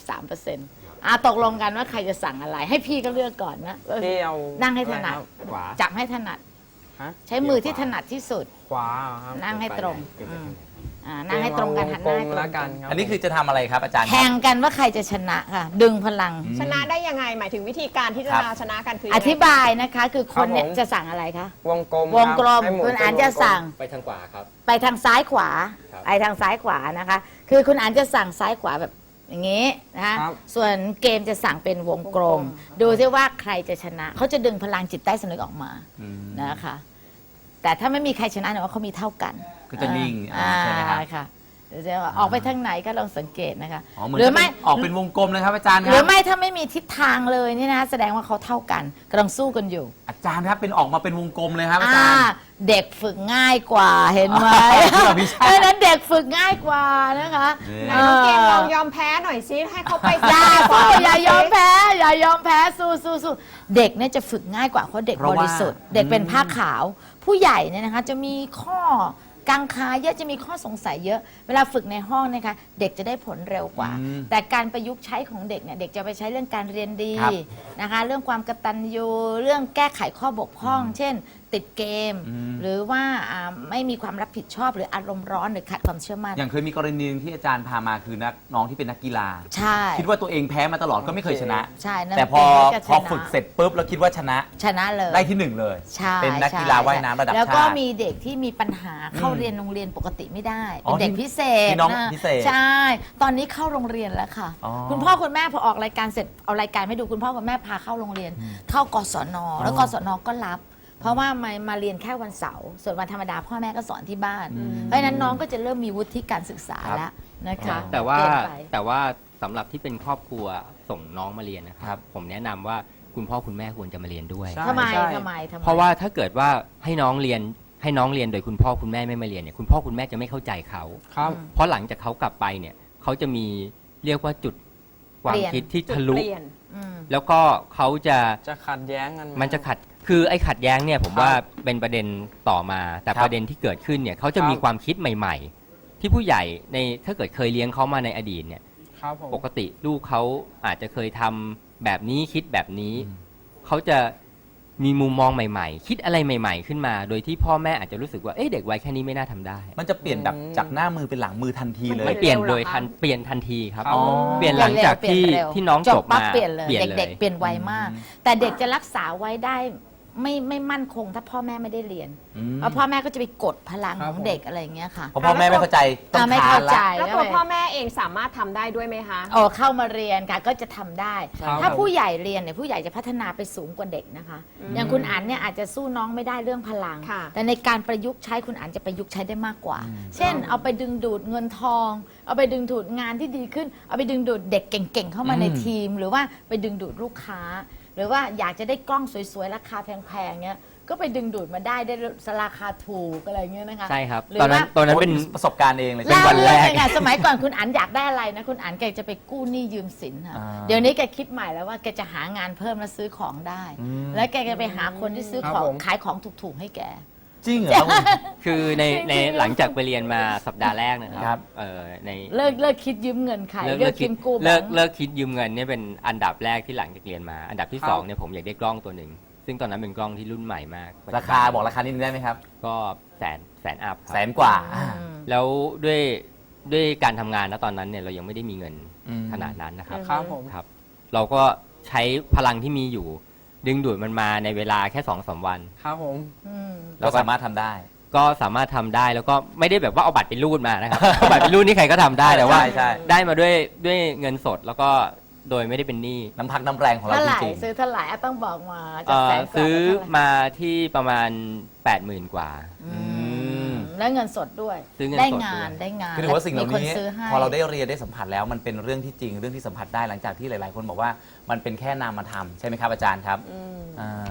[SPEAKER 3] 93%ตกลงกันว่าใครจะสั่งอะไร ให้พี่ก็เลือกก่อนนะ
[SPEAKER 4] พี่เอา
[SPEAKER 3] นั่งให้ถนัด
[SPEAKER 4] อะไรครับ
[SPEAKER 5] ขวา
[SPEAKER 3] จับให้ถนัด
[SPEAKER 4] ฮะ
[SPEAKER 3] ใช้มือที่ถนัดที่สุด
[SPEAKER 4] ขวาเหรอครับ
[SPEAKER 3] นั่งให้ตรง
[SPEAKER 5] เก็บไว้
[SPEAKER 3] นั่งให้ตรงกันหันหน้าให้ตรง
[SPEAKER 4] แล้ว
[SPEAKER 3] กั
[SPEAKER 4] กัน นครับ
[SPEAKER 1] อันนี้คือจะทำอะไรครับอาจารย์ครับ
[SPEAKER 3] แข่งกันว่าใครจะชนะค่ะ ดึงพลัง
[SPEAKER 2] ชนะได้ยังไงหมายถึงวิธีการที่จะ
[SPEAKER 1] ครับ
[SPEAKER 2] ชนะกันคือ
[SPEAKER 3] อ
[SPEAKER 2] ยังไง
[SPEAKER 3] ธิบายนะคะ คือคนเนี่ย
[SPEAKER 4] ครับผม
[SPEAKER 3] จะสั่งอะไรคะ
[SPEAKER 4] วงกลม
[SPEAKER 3] วงกลม
[SPEAKER 4] รับให้หมุ
[SPEAKER 3] คุณ
[SPEAKER 4] เป็
[SPEAKER 3] อ่าน
[SPEAKER 4] วงกล
[SPEAKER 3] จะ
[SPEAKER 4] ม
[SPEAKER 3] สั่ง
[SPEAKER 5] ไปทางขวาครับ
[SPEAKER 3] ไปทางซ้ายขวา
[SPEAKER 5] ครับ
[SPEAKER 3] ไปทางซ้ายขวานะคะ คือคุณอ่านจะสั่งซ้ายขวาแบบอย่างนี้นะคะ
[SPEAKER 4] ครับ
[SPEAKER 3] ส่วนเกมจะสั่งเป็นวงกลม ดูซิว่าใครจะชนะ เขาจะดึงพลังจิตใต้สำนึกออกมานะคะ แต่ถ้าไม่มีใครชนะเนี่ยว่าเขามีเท่ากัน
[SPEAKER 1] ก็จะนิ่งใช่ไหมครับ
[SPEAKER 3] ค่ะเดี๋ยวจะออกไปทางไหนก็ลองสังเกตนะคะ
[SPEAKER 1] อ๋อเหมือน
[SPEAKER 3] หรือไม่
[SPEAKER 1] ออกเป็นวงกลมเลยครับอาจารย์ค
[SPEAKER 3] หรื
[SPEAKER 1] รั
[SPEAKER 3] อบ ไม่ถ้าไม่มีทิศทางเลยนี่นะแสดงว่าเขาเท่ากันกำลังสู้กันอยู่
[SPEAKER 1] อาจารย์ครับเป็นออกมาเป็นวงกลมเลยครับอาจารย์
[SPEAKER 3] เด็กฝึกง่ายกว่าเห็นไหม
[SPEAKER 1] ที่เราพิชา
[SPEAKER 3] เพราะฉะนั้นเด็กฝึกง่ายกว่านะคะ
[SPEAKER 2] ไหนน้องเกมลองยอมแพ้หน่อยซิให้เขาไป
[SPEAKER 3] อย่า
[SPEAKER 2] ก่
[SPEAKER 3] สู้
[SPEAKER 2] น
[SPEAKER 3] อย่ายอมแพ้ อย่ายอมแพ้สู้เด็กเนี่ยจะฝึกง่ายกว่าเพราะเด็กบริสุทธิ์เด็กเป็นผ้าขาว ผู้ใหญ่เนี่ยนะคะจะมีข้อกังขาเยอะจะมีข้อสงสัยเยอะ เวลาฝึกในห้องนะคะเด็กจะได้ผลเร็วกว่า แต่การประยุกต์ใช้ของเด็กเนี่ยเด็กจะไปใช้เรื่องการเรียนดี
[SPEAKER 1] ครับ
[SPEAKER 3] นะคะเรื่องความกตัญญูเรื่องแก้ไขข้อบกพร่อง เช่น ติดเกม หรือว่าไม่มีความรับผิดชอบหรืออารมณ์ร้อนหรือขาดความเชื่อมั่น
[SPEAKER 1] อย่างเคยมีกรณีหนึงที่อาจารย์พามาคือน้องที่เป็นนักกีฬา
[SPEAKER 3] ใช่
[SPEAKER 1] คิดว่าตัวเองแพ้มาตลอดก็ไม่เคยชนะ
[SPEAKER 3] ใช่นั่น
[SPEAKER 1] แต่พอ
[SPEAKER 3] เป็นก็จะ
[SPEAKER 1] พอ
[SPEAKER 3] ชนะ
[SPEAKER 1] ฝึกเสร็จปุ๊บแล้วคิดว่าชนะ
[SPEAKER 3] ชนะเลย
[SPEAKER 1] ได้ที่หนึ่งเลย
[SPEAKER 3] ใช่
[SPEAKER 1] เป็นนักกีฬาว่ายน้ำระดับ
[SPEAKER 3] แล้วก็
[SPEAKER 1] ชาติ
[SPEAKER 3] มีเด็กที่มีปัญหาเข้าเรียนโรงเรียนปกติไม่ได้
[SPEAKER 1] อ๋
[SPEAKER 3] เป็
[SPEAKER 1] อน
[SPEAKER 3] เด็กพิเศษ
[SPEAKER 1] มีน้อง
[SPEAKER 3] ะ
[SPEAKER 1] พิเศษ
[SPEAKER 3] ใช่ ตอนนี้เข้าโรงเรียนแล้วค่ะ
[SPEAKER 1] อ๋อ
[SPEAKER 3] คุณพ่อคุณแม่พอออกรายการเสร็จเอารายการให้ดูคุณพ่อคุณแม่พาเข้าโรงเรียน เข้ากศนแล้วกศนก็รับ เพราะว่ามาเรียนแค่วันเสาร์ส่วนวันธรรมดาพ่อแม่ก็สอนที่บ้าน เพราะฉะนั้นน้องก็จะเริ่มมีวุฒิการศึกษาแล้วนะคะ
[SPEAKER 5] แต่ว่า
[SPEAKER 3] เปลี่ยนไป
[SPEAKER 5] แต่ว่าสำหรับที่เป็นครอบครัวส่งน้องมาเรียนนะครับ ผมแนะนำว่าคุณพ่อคุณแม่ควรจะมาเรียนด้วย
[SPEAKER 4] ใช่
[SPEAKER 3] ทำไม
[SPEAKER 4] ใช่
[SPEAKER 3] ทำไม
[SPEAKER 5] เพราะว่าถ้าเกิดว่าให้น้องเรียนโดยคุณพ่อคุณแม่ไม่มาเรียนเนี่ยคุณพ่อคุณแม่จะไม่เข้าใจเขา
[SPEAKER 4] ครับ
[SPEAKER 5] เพราะหลังจากเขากลับไปเนี่ยเขาจะมีเรียกว่าจุดความคิดที่
[SPEAKER 2] จุด
[SPEAKER 5] ทะลุ
[SPEAKER 2] เปลี่ยน
[SPEAKER 3] อืม
[SPEAKER 5] แล้วก็เขาจะ
[SPEAKER 4] จะขัดแย้งกันไห
[SPEAKER 5] มันจะขัดคือไอ้ขัดแย้งเนี่ยผมว่าเป็นประเด็นต่อมา แต่
[SPEAKER 1] ครับ
[SPEAKER 5] ประเด็นที่เกิดขึ้นเนี่ยเขาจะมีความคิดใหม่ ๆ ที่ผู้ใหญ่ในถ้าเกิดเคยเลี้ยงเขามาในอดีตเนี่ย
[SPEAKER 4] ครับผม
[SPEAKER 5] ปกติลูกเขาอาจจะเคยทำแบบนี้คิดแบบนี้ เขาจะมีมุมมองใหม่ๆ คิดอะไรใหม่ ๆ ขึ้นมา โดยที่พ่อแม่อาจจะรู้สึกว่าเอ๊ะเด็กวัยแค่นี้ไม่น่าทำได้
[SPEAKER 1] มันจะเปลี่ยนแบบจากหน้ามือเป็นหลังมือทันทีเลย
[SPEAKER 5] ไม่เปลี่ยน
[SPEAKER 2] เร็วเหรอ
[SPEAKER 5] โดย
[SPEAKER 2] คะ
[SPEAKER 5] เปลี่ยนทันทีครับ
[SPEAKER 1] อ๋อ
[SPEAKER 5] เปลี่ยนหลังจากที่
[SPEAKER 3] เปลี่ยนเร็ว
[SPEAKER 5] ที่น้องจบ
[SPEAKER 3] ปั๊บ
[SPEAKER 5] มา
[SPEAKER 3] เปลี่ยนเลย
[SPEAKER 5] เปลี่ยน
[SPEAKER 3] เด็กๆเปลี่ยนไวมาก แต่เด็กจะรักษาไว้ได้ไม่มั่นคงถ้าพ่อแม่ไม่ได้เรียน เพราะพ่อแม่ก็จะไปกดพลังของเด็กอะไรอย่างเงี้ยค่ะ
[SPEAKER 1] เพราะพ่อแม่ไม่เข้าใจต้อง
[SPEAKER 3] ไม่
[SPEAKER 1] คา
[SPEAKER 3] เข้าน ใจ
[SPEAKER 1] ละ
[SPEAKER 2] แล้วตัวพ่อแม่เองสามารถทำได้ด้วยไหมคะ
[SPEAKER 3] โอ้เข้ามาเรียนค่ะก็จะทำได้
[SPEAKER 4] ครับ
[SPEAKER 3] ถ้าผู้ใหญ่เรียนเนี่ยผู้ใหญ่จะพัฒนาไปสูงกว่าเด็กนะคะ อย่างคุณอั๋นเนี่ยอาจจะสู้น้องไม่ได้เรื่องพลัง
[SPEAKER 2] ค่ะ
[SPEAKER 3] แต่ในการประยุกต์ใช้คุณอั๋นจะประยุกต์ใช้ได้มากกว่า เช่น เอาไปดึงดูดเงินทอง เอาไปดึงดูดงานที่ดีขึ้น เอาไปดึงดูดเด็กเก่งๆเข้ามาในทีม หรือว่าไปดึงดูดลูกค้า หรือว่าอยากจะได้กล้องสวยๆราคาแพงๆเงี้ยก็ไปดึงดูดมาได้ราคาถูกอะไรเงี้ยนะคะ
[SPEAKER 5] ใช่ครับ
[SPEAKER 3] หรือ
[SPEAKER 5] ตอนนั้น
[SPEAKER 3] ว่า
[SPEAKER 5] ตอนนั้นเป็น
[SPEAKER 1] ประสบการณ์เองเลย
[SPEAKER 5] เป็นวันแรก
[SPEAKER 3] เล่าเรื่องเลยค่ะสมัยก่อนคุณอั๋นอยากได้อะไรนะคุณอั๋นแกจะไปกู้หนี้ยืมสินค่ะ
[SPEAKER 1] อ่า
[SPEAKER 3] เดี๋ยวนี้แกคิดใหม่แล้วว่าแกจะหางานเพิ่มแล้วซื้อของได้ แล้วแกจะไปหาคนที่ซื้อของ
[SPEAKER 4] ครับผม
[SPEAKER 3] ขายของถูกๆให้แก
[SPEAKER 1] จริงเหรอ
[SPEAKER 5] คือในหลังจากไปเรียนมาสัปดาห์แรกนะค
[SPEAKER 1] ครั
[SPEAKER 5] รับ ใน
[SPEAKER 3] เลิกคิดยืมเงินใคร
[SPEAKER 5] เลิก
[SPEAKER 3] คิดกู้แบ
[SPEAKER 5] เลิ
[SPEAKER 3] ง
[SPEAKER 5] ก
[SPEAKER 3] ค์
[SPEAKER 5] เลิกคิดยืมเงินเนี่ยเป็นอันดับแรกที่หลังจากเรียนมา อันดับที่
[SPEAKER 4] ครับ
[SPEAKER 5] สองเนี่ยผมอยากได้กล้องตัวหนึ่งซึ่งตอนนั้นเป็นกล้องที่รุ่นใหม่มาก
[SPEAKER 1] ราคาบอกราคานิดนึงได้ไหมครับ
[SPEAKER 5] ก็แสนอัพครับ
[SPEAKER 1] แสนกว่า
[SPEAKER 5] แล้วด้วยการทำงานนะตอนนั้นเนี่ยเรายังไม่ได้มีเงิน
[SPEAKER 1] อืม
[SPEAKER 5] ขนาดนั้นนะครับ
[SPEAKER 4] ครับผม
[SPEAKER 5] ครับ เราก็ใช้พลังที่มีอยู่ ดึงดูดมันมาในเวลาแค่2-3 วัน
[SPEAKER 4] ครับผม
[SPEAKER 1] เราสามารถทำได้
[SPEAKER 5] ก็สามารถทำได้แล้วก็ไม่ได้แบบว่าเอาบัตรไปรูดมานะครับ เอาบัตรไปรูดนี่ใครก็ทำได้แต่ว่า
[SPEAKER 1] ใช่
[SPEAKER 5] ได้มาด้วยเงินสดแล้วก็โดยไม่ได้เป็นหนี้
[SPEAKER 1] น้ำพักน้ำแรงของเรา
[SPEAKER 3] เท่าไห
[SPEAKER 1] จ
[SPEAKER 3] ร่
[SPEAKER 1] ริง
[SPEAKER 3] ซื้อเท่าไหร่อ่ะต้องบอกมาจากแสนกว่า
[SPEAKER 5] ซื้อ
[SPEAKER 3] เท่าไหร่
[SPEAKER 5] มาที่ประมาณ 80,000 กว่า
[SPEAKER 3] แล้วเงินสดด้วย
[SPEAKER 5] ซื้อเงินสด
[SPEAKER 3] ได้
[SPEAKER 5] ด้วย
[SPEAKER 3] งานได้งาน
[SPEAKER 1] คือถือว่าสิ่งเหล่า
[SPEAKER 3] มีคน
[SPEAKER 1] นี้
[SPEAKER 3] ซื้อให้
[SPEAKER 1] พอเราได้เรียนได้สัมผัสแล้วมันเป็นเรื่องที่จริงเรื่องที่สัมผัสได้หลังจากที่หลาย ๆ คนบอกว่ามันเป็นแค่นามธรรมใช่ไหมครับอาจารย์ครับอ่า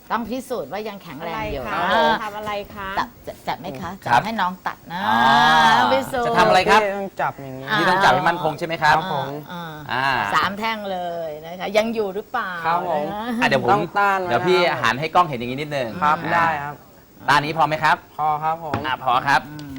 [SPEAKER 3] ต้องพิสูจน์ว่ายังแข็ง
[SPEAKER 2] อะ
[SPEAKER 3] แร
[SPEAKER 2] ไรง
[SPEAKER 3] อยู่
[SPEAKER 2] คะ
[SPEAKER 3] อ่า
[SPEAKER 2] ทำอะไรคะ
[SPEAKER 3] จับไหมคะ
[SPEAKER 1] ครับ
[SPEAKER 3] จับให้น้องตัดนะ
[SPEAKER 1] อ๋อ
[SPEAKER 3] ต้องพิสูจน์
[SPEAKER 1] จะทำอะไรครับ
[SPEAKER 4] ต้องจับอย่างนี้
[SPEAKER 1] นี่ต้องจับให้มั่นคงใช่ไหมครับ
[SPEAKER 4] ผม
[SPEAKER 3] อ่าสามแท่งเลยนะคะยังอยู่หรือเปล่า
[SPEAKER 4] ครับผม
[SPEAKER 3] นะ
[SPEAKER 1] อ่ะเดี๋ยวผม
[SPEAKER 4] ต้องต้านไว้
[SPEAKER 1] เดี๋ยวพี่
[SPEAKER 4] นะครับ
[SPEAKER 1] หันให้กล้องเห็นอย่างนี้นิดนึง
[SPEAKER 4] ครับ
[SPEAKER 1] อ่า
[SPEAKER 4] ได้ครับ
[SPEAKER 1] ด้านนี้พอไหมครับ
[SPEAKER 4] พอครับผม
[SPEAKER 1] พอครับ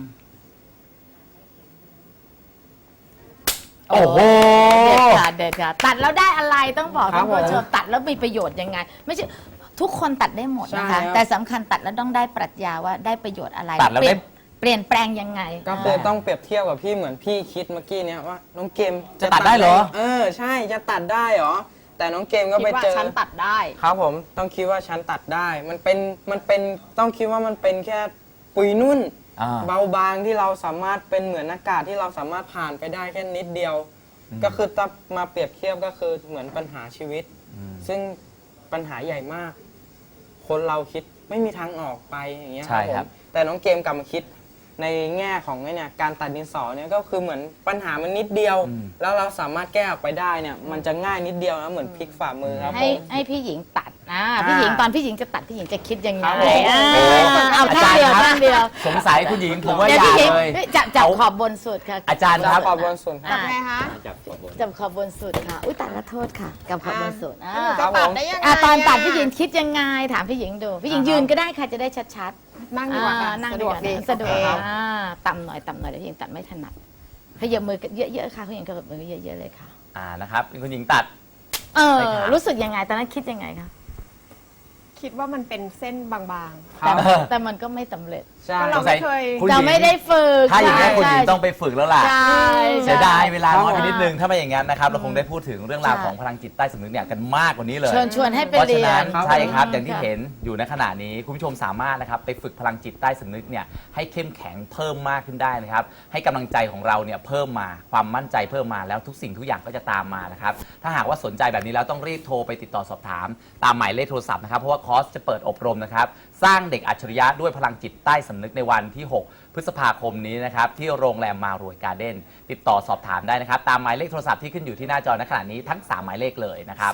[SPEAKER 1] โอ้โห
[SPEAKER 3] เด็ดค่ะตัดแล้วได้อะไรต้องบอก
[SPEAKER 4] ครั
[SPEAKER 3] ท่า
[SPEAKER 4] บ
[SPEAKER 3] นผู้ช
[SPEAKER 4] ผม ม
[SPEAKER 3] ตัดแล้วมีประโยชน์ยังไง ไม่ใช่ทุกคนตัดได้หมดนะคะ
[SPEAKER 4] ใช่ครับ
[SPEAKER 3] แต่สำคัญตัดแล้วต้องได้ปรัชญาว่าได้ประโยชน์อะไร
[SPEAKER 1] ตัดแล้วได้
[SPEAKER 3] เปลี่ยนแปลงยังไง
[SPEAKER 4] ก็คือต้องเปรียบเทียบกับพี่เหมือนพี่คิดเมื่อกี้เนี้ยว่าน้องเกม
[SPEAKER 1] จะตัดได้เหรอ
[SPEAKER 4] ใช่จะตัดได้เหรอแต่น้องเกมก็
[SPEAKER 2] คิด
[SPEAKER 4] ไป
[SPEAKER 2] ว่า
[SPEAKER 4] เจอ
[SPEAKER 2] ฉันตัดได้
[SPEAKER 4] ครับผมต้องคิดว่าฉันตัดได้ มันเป็นต้องคิดว่ามันเป็นแค่ปุยนุ่น
[SPEAKER 1] อ่า
[SPEAKER 4] เบาบางที่เราสามารถเป็นเหมือนอากาศที่เราสามารถผ่านไปได้แค่นิดเดียว ก็คือถ้ามาเปรียบเทียบก็คือเหมือนปัญหาชีวิต ซึ่งปัญหาใหญ่มาก คนเราคิดไม่มีทางออกไปอย่างเงี้ย
[SPEAKER 1] ใช่
[SPEAKER 4] ผ
[SPEAKER 1] ครับ
[SPEAKER 4] มแต่น้องเกมกลับมาคิดในแง่ของไอ้เนี่ยการตัดดินสอเนี่ยก็คือเหมือนปัญหามันนิดเดียว แล้วเราสามารถแก้ออกไปได้เนี่ยมันจะง่ายนิดเดียวนะเหมือนพลิกฝ่ามือครับผ
[SPEAKER 3] ให้
[SPEAKER 4] ม
[SPEAKER 3] ให้พี่หญิงตัดนะพี่หญิงตอนพี่หญิงจะตัดพี่หญิงจะคิดยังไง
[SPEAKER 4] ครับผม
[SPEAKER 3] อ่า
[SPEAKER 1] โอ้โห
[SPEAKER 3] เอาท่าเดียว
[SPEAKER 1] อาจารย์ครับ
[SPEAKER 3] ท่าเดียว
[SPEAKER 1] สงสัยคุณหญิงผมว่า
[SPEAKER 3] เดี๋ยว
[SPEAKER 1] อย่า
[SPEAKER 3] พี่หญิง
[SPEAKER 1] เลย
[SPEAKER 3] จับ
[SPEAKER 1] เอา
[SPEAKER 3] ขอบบนสุดค่ะ
[SPEAKER 1] อาจารย์ครับ
[SPEAKER 4] ขอบบนส่วนครับ
[SPEAKER 2] จับไงคะ
[SPEAKER 5] จับตัวบน
[SPEAKER 3] จับขอบบนสุดค่ะอุ้ยตัดละโทษค่ะกับขอบบนสุด
[SPEAKER 2] แล้วหนูจะตัดได้ยังไง
[SPEAKER 3] ตอนตัด
[SPEAKER 2] ะ
[SPEAKER 3] พี่หญิงคิดยังไงถามพี่หญิงดูพี่หญิงยืนก็ได้ค่ะจะได้ชัดๆ
[SPEAKER 2] นั่งดีกว่าค่ะ
[SPEAKER 3] นั่ง
[SPEAKER 2] สะ
[SPEAKER 3] ดี
[SPEAKER 2] ด
[SPEAKER 3] ก
[SPEAKER 2] วก
[SPEAKER 3] ว่า
[SPEAKER 2] ดี
[SPEAKER 3] สะดวก
[SPEAKER 2] โอเค
[SPEAKER 3] ต่ำหน่อยเดี๋ยวพี่หญิงตัดไม่ถนัดขยับมือเยอะๆค่ะพี่หญิงขยับมือเยอะๆเลยค่ะ
[SPEAKER 1] นะครับเป็นคุณหญิงตัด
[SPEAKER 3] เออ
[SPEAKER 1] ใช่ครับ
[SPEAKER 3] รู้สึกยังไงตอนนั้นคิดยังไงคะ
[SPEAKER 2] คิดว่ามันเป็นเส้นบาง
[SPEAKER 4] ครับ
[SPEAKER 3] แต่มันก็ไม่สำเร็จ
[SPEAKER 4] ใช่
[SPEAKER 2] ก็เราไม่เคย
[SPEAKER 1] คุณหญิง
[SPEAKER 3] เราไม่ได้ฝึก
[SPEAKER 1] ถ้าอย่างนี้นคุณหญิง
[SPEAKER 3] ใช่
[SPEAKER 1] ต้องไปฝึกแล้วล่ะ
[SPEAKER 3] ใช่
[SPEAKER 1] เสียดายเวลา
[SPEAKER 4] ครับ
[SPEAKER 1] น้อยไป
[SPEAKER 4] ผม
[SPEAKER 1] นิดนึง ถ้าไม่อย่างนั้นนะครับ เราคงได้พูดถึงเรื่องราว
[SPEAKER 3] ใช่
[SPEAKER 1] ของพลังจิตใต้สำนึกเนี่ยกันมากกว่านี้เลย
[SPEAKER 3] เชิญชวนให้ไป
[SPEAKER 1] เพราะ
[SPEAKER 3] เรี
[SPEAKER 1] ฉะ
[SPEAKER 3] ย
[SPEAKER 1] นั้น
[SPEAKER 3] น
[SPEAKER 1] ใช่ครับ
[SPEAKER 3] ค่ะ
[SPEAKER 1] อย่างที่เห็นอยู่ในขณะนี้ คุณผู้ชมสามารถนะครับไปฝึกพลังจิตใต้สำนึกเนี่ยให้เข้มแข็งเพิ่มมากขึ้นได้นะครับ ให้กำลังใจของเราเนี่ยเพิ่มมาความมั่นใจเพิ่มมาแล้วทุกสิ่งทุกอย่างก็จะตามมานะครับ ถ้าหากว่าสนใจแบบนี้แล้วต้องรีบโทรไปติดต่อสอบถาม ตามหมายเลขโทรศัพท์นะครับเพราะว่าคอร์สจะเปิดอบรมนะครับสร้างเด็กอัจฉริยะด้วยพลังจิตใต้สำนึกในวันที่ 6 พฤษภาคมนี้นะครับที่โรงแรมมารวยการ์เด้นติดต่อสอบถามได้นะครับตามหมายเลขโทรศัพท์ที่ขึ้นอยู่ที่หน้าจอในขณะนี้ทั้ง 3 หมายเลขเลยนะครับ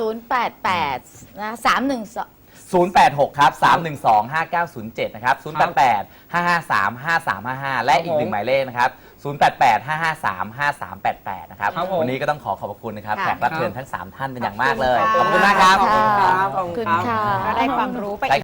[SPEAKER 3] 088นะ312
[SPEAKER 1] 086 ครับ 312 5907 นะครับ 088 553 5355 และอีกหนึ่งหมายเลขนะครับ 088 553 5388 นะครับ
[SPEAKER 4] ครับผม
[SPEAKER 1] วันนี้ก็ต้องขอขอบคุณนะครับ
[SPEAKER 2] ค่ะ
[SPEAKER 1] แขกรับเชิญทั้ง 3 ท่านเป็นอย่างมากเลย
[SPEAKER 2] ข
[SPEAKER 1] ข
[SPEAKER 2] อ
[SPEAKER 1] อ
[SPEAKER 2] บบ คุ
[SPEAKER 1] คุณ ณ
[SPEAKER 2] ค่ะ
[SPEAKER 1] มากครับ
[SPEAKER 4] ขอบคุณครับ
[SPEAKER 3] ขอบคุณค่ะ
[SPEAKER 2] ๆก็ได้ความรู้ไป